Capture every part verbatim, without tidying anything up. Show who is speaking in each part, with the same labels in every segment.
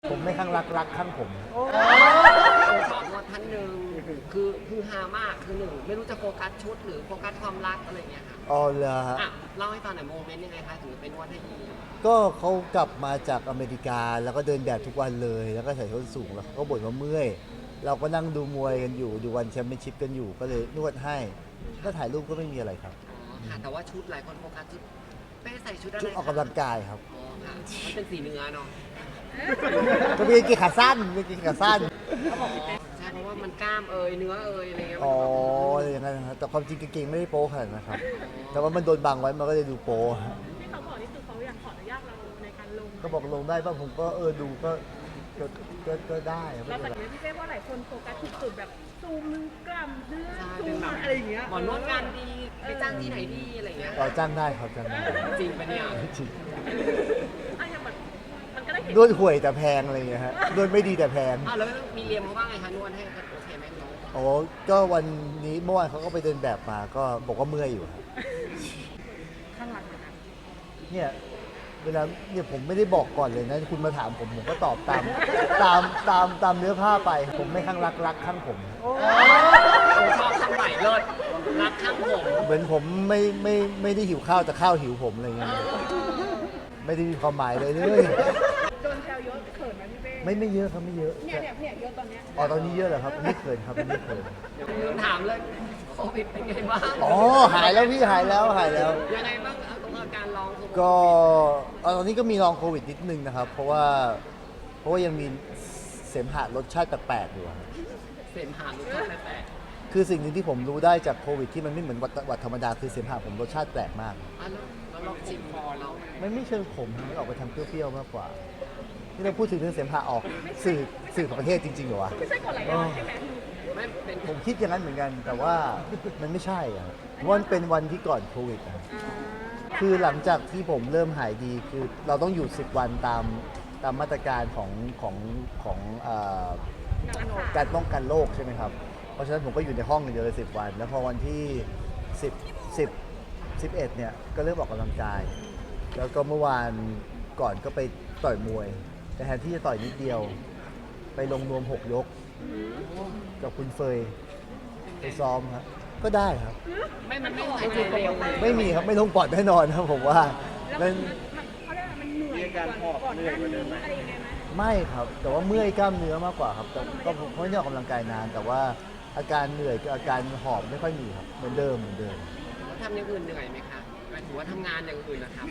Speaker 1: ผมไม่ข้างรักรักข้างผม
Speaker 2: สอนนวดท่านหนึ่งคือคือฮามากคือหนึ่งไม่รู้จะโฟกัสชุดหรือโฟกัสความรักอะไรเงี้ยค่ะ
Speaker 1: อ๋อเหรอฮะ
Speaker 2: อ่ะเล่าให้ฟังหน่อยโมเมนต์ยังไงคะถึงเป็นนวดให้ยี
Speaker 1: ก็เขากลับมาจากอเมริกาแล้วก็เดินแบบทุกวันเลยแล้วก็ใส่ส้นสูงแล้วเขาก็บ่นว่าเมื่อยเราก็นั่งดูมวยกันอยู่ดูวันแชมเปี้ยนชิพกันอยู่ก็เลยนวดให้ก็ถ่ายรูปก็ไม่มีอะไรครับ
Speaker 2: อ๋อค่ะแต่ว่าชุดหลายคนโฟกัสชุดเป้ใส่ชุดอะไร
Speaker 1: ชุดออกกำลังกายครับ
Speaker 2: อ๋อค่ะมันเป็นสีเนื้อเนาะ
Speaker 1: ก็มีกีขาสั้นมีกีขาสั้น
Speaker 2: ใช่เพราะว่ามันกล้ามเอยเนื้อเอยอะไรเงี้ย
Speaker 1: อ๋ออะไรอย่างนั้นนะครับแต่ความจริงกางเกงไม่ได้โป๊ขนาดนั้นนะครับแต่ว่ามันโดนบังไว้มันก็เลยดูโป๊
Speaker 3: ที่เขาบอกนี่คือเขาอยากขออนุญาตเราในการลง
Speaker 1: ก็บอกลงได้บ้างผมก็เออดูก็ก็ก็ก็ได้ไม่
Speaker 3: เรา
Speaker 1: เป็น
Speaker 3: แต่
Speaker 1: ไร
Speaker 3: ไม่ใช่ว่าหลายคนโฟกัสจุดๆแบบซูมกล้ามเนื้อ
Speaker 2: ใช่
Speaker 3: ซู
Speaker 2: เป็น
Speaker 3: ม
Speaker 2: แบบ
Speaker 3: อะไรอย่างเงี้ย
Speaker 2: หมอนวดงานดีไปจ้างที่ไหนดีอะไรเงี้ย
Speaker 1: ต่อจ้างได้ครับจ้างได้
Speaker 2: จริงปะเนี่ย
Speaker 1: จริง
Speaker 3: อ่ะอย่างแบบมันก็ได้เห็น
Speaker 1: นวดห่วยแต่แพงอะไรอย่างเงี้ยฮะนวดไม่ดีแต่แพง
Speaker 2: อ้าวแล้วมีเรียมเขาบ้างไงคะนวดให้โอเคไหมน้อง
Speaker 1: โอ้ก็วันนี้เมื่อวานเขาก็ไปเดินแบบมาก็บอกว่าเมื่อยอยู่ครับ
Speaker 3: ข้างหลังเหมือนกัน
Speaker 1: เนี่ยเวลาเนี่ยผมไม่ได้บอกก่อนเลยนะคุณมาถามผมผมก็ตอบตามตามตามตามเนื้อผ้าไป ผมไม่ข้างรักรักข้างผม
Speaker 2: ชอบคำใหม่เลิศรักข้างผม
Speaker 1: เหมือนผมไม่ไม่ไม่ได้หิวข้าวแต่ข้าวหิวผมอะไรเงี้ยไม่ได้มีความหมายเลยเลย
Speaker 3: โดนแซวเยอะเขินไหมพี่เป้
Speaker 1: ไม่ไม่เยอะครับไม่เยอะ
Speaker 3: เนี่ยเนี่ยเนี่ยเยอะตอนเนี้ย
Speaker 1: อ๋อตอนนี้เยอะเหรอครับไม่เขินครับไม่เขิน
Speaker 2: เดี๋ยวลืมถามเลยโควิดเป็นไงบ้าง
Speaker 1: อ๋อหายแล้วพี่หายแล้วหายแล้ว
Speaker 2: ยังไงบ้างเอาตรงอาการลองโควิด
Speaker 1: ก็เอาตอนนี้ก็มีลองโควิดนิดนึงนะครับ เพราะว่าเพราะว่ายังมีเสมหะรสชาติแปลกๆอยู่ครับ
Speaker 2: เสมหาลูกค้าแปลก
Speaker 1: คือสิ่งหนึ่งที่ผมรู้ได้จากโควิดที่มันไม่เหมือนหวัดหวัดธรรมดาคือเสมหะผมรสชาติแปลกมาก
Speaker 2: ๆอ่ะแล้วแล้วลองชิมพอเรา
Speaker 1: มันไม่เชิงขมมันออกไปทางเปรี้ยวๆมากกว่าที่เราพูดถึงเรื่องเสมหะออกสื่อสื่อของประเทศจริงๆเหรอวะ
Speaker 3: ไม่ใช่กดไหลย้อนใช่ไหม
Speaker 2: ไม่เป็น
Speaker 1: ผมคิดอย่างนั้นเหมือนกัน แต่ว่ามันไม่ใช่อะเพราะว่ามันเป็นวันที่ก่อนโควิดอะ
Speaker 3: อ่า
Speaker 1: คือหลังจากที่ผมเริ่มหายดีคือเราต้องอยู่สิบวันตามตามมาตรการของของของเอ่อ
Speaker 3: การรักษา
Speaker 1: การป้องกันโรคใช่ไหมครับ เพราะฉะนั้นผมก็อยู่ในห้องอย่างเดียวเลยสิบวัน แล้วพอวันที่สิบ สิบ สิบเอ็ดเนี่ยก็เริ่มออกกำลังกาย แล้วก็เมื่อวานก่อนก็ไปต่อยมวย แต่แทนที่จะต่อยนิดเดียว ไปลงนวมหกยกกับคุณเฟยไปซ้อมครับก็ได้ครับ
Speaker 2: ไม่มันไม่หายใจเร็วเลย
Speaker 1: ไม่มีครับไม่ลงปอดแน่นอนครับผมว่า
Speaker 3: แล้ว
Speaker 1: มั
Speaker 3: มัน นมันเขาเรียกว่ามันเหนื่อยก่อนก่อนหน้านี้อะไรยังไงไหม
Speaker 1: ไม่ครับ แต่ว่าเมื่อยกล้ามเนื้อมากกว่าครับแต่ก็ผมไม่ได้ออกกำลังกายนาน แต่ว่าอาการเหนื่อยกับอาการหอบไม่ค่อยมีครับเหมือนเดิมเหมือนเดิม
Speaker 2: ทำอย่างอื่นเหนื่อยไหมคะหมายถึงว่าทำงานอย่างอื่นนะครับ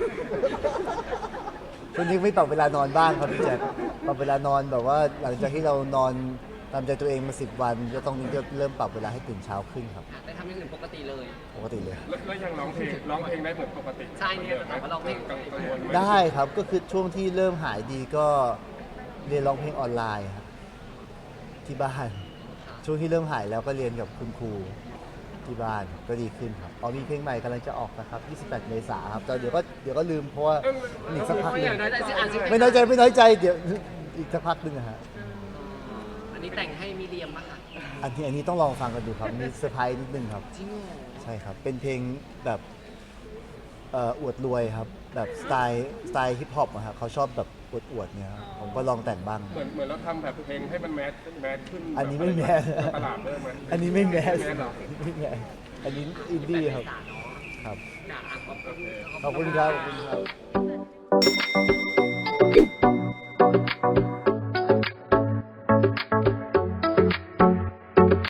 Speaker 1: ช่วงนี้ไม่ปรับเวลานอนบ้างครับพี่แจ๊คปรับเวลานอนแบบว่าหลังจากที่เรานอนตามใจตัวเองมาสิบวันก็ต้องเริ่มปรับเวลาให้ตื่นเช้าขึ้นครับ
Speaker 2: แต่ทำอย่างอื่นปกติเลย
Speaker 1: ปกติเลย
Speaker 4: แล้วแล้วยังร้องเพลงร้องเพลงได้เหมือนปกติ
Speaker 2: ใช่เนี่ยแต่ว่าร้องเพลง
Speaker 4: กังวลไหม
Speaker 1: ได้ครับก็คือช่วงที่เริ่มหายดีก็เรียนร้องเพลงออนไลน์ครับที่บ้านช่วงที่เริ่มหายแล้วก็เรียนกับคุณครูที่บ้านก็ดีขึ้นครับอ๋อมีเพลงใหม่กำลังจะออกนะครับยี่สิบแปดเมษายนครับแต่เดี๋ยวก็เดี๋ยวก็ลืมเพราะว่าอีกสักพักห
Speaker 2: ไม่
Speaker 1: นึ
Speaker 2: อง ยากน้อยใจสิอ่านชื่อ
Speaker 1: ไม่น้อยใจไม่น้อยใจเดี๋ยวอีกสักพักหนึงนะฮะ
Speaker 2: อันนี้แต่งให้มีเรียมปะคะ
Speaker 1: อันนี้อันนี้ต้องลองฟังกันดูครับมีเซอร์ไพรส์นิดนึงครับ
Speaker 2: จริงเหรอ
Speaker 1: ใช่ครับเป็นเพลงแบบเอ่ออวดรวยครับแบบสไตล์สไตล์ฮิปฮอปอะครับเขาชอบแบบอวดอวดๆเนี่ยครับผมก็ลองแต่งบ้าง
Speaker 4: เหมือนเหมือนเราทำแบบเพลงให้มันแมสแมสขึ้น
Speaker 1: อันนี้ไม่แมส
Speaker 4: ตลาดเลยไหม
Speaker 1: อันนี้ไม่แมส
Speaker 4: ไม่แมสหรอ
Speaker 1: ไม่แมสอันนี้อินดี้ครับ
Speaker 2: แต่เนาะ
Speaker 1: ครับ
Speaker 2: ด่าขอบคุณ
Speaker 1: ขอบคุณครับขอบคุณครับ